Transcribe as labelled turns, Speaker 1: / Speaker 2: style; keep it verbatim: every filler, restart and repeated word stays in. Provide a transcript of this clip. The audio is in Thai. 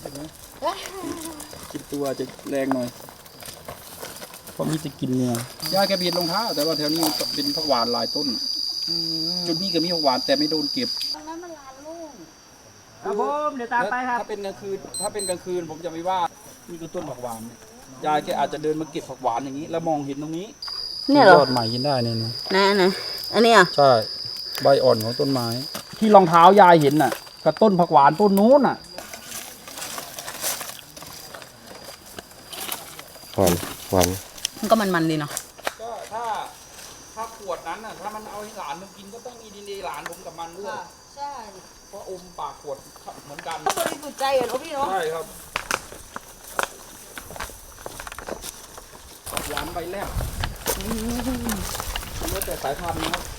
Speaker 1: ห็นไหมกินตัวจะแรงหน่อยเพราะมีจะกินเนี่ยยายแกเบียดรองเท้าแต่ว่าแถวนี้เป็นผักหวานหลายต้นจุดนี้ก็มีผักหวานแต่ไม่โดนเก็บ
Speaker 2: ครับผมเดี๋ยวตามไปครับ
Speaker 1: ถ้าเป็นกลางคืนถ้าเป็นกลางคืนผมจะไม่ว่านี่คือต้นผักหวานยายแกอาจจะเดินมาเก็บผักหวานอย่างนี้ แล้วมองเห็นตรงนี้
Speaker 3: เนี่ยเหรอย
Speaker 1: อดใหม่กินได้เนี่ยนะ
Speaker 3: นะนะอันนี้อ่ะ
Speaker 1: ใช่ใบอ่อนของต้นไม้ ที่รองเท้ายายเห็นน่ะกับต้นผักหวานต้นนู้นน่ะ
Speaker 4: หวานหวาน
Speaker 3: มันก็มันๆดีเนาะ
Speaker 1: ก็ถ้าถ้าขวดนั้นน่ะถ้ามันเอาให้หลานมันกินก็ต้องมีดีเนหลานผมกับมันด้วย
Speaker 3: ใช่
Speaker 1: เพราะอมปากขวดเหมือนกัน
Speaker 3: ก็บริสุทธิ์ใจอ่ะเนาะพี่เนาะ
Speaker 1: ใช่ครับผักหวานใบแรกแล้วแต่สายพันธุ์นะครับ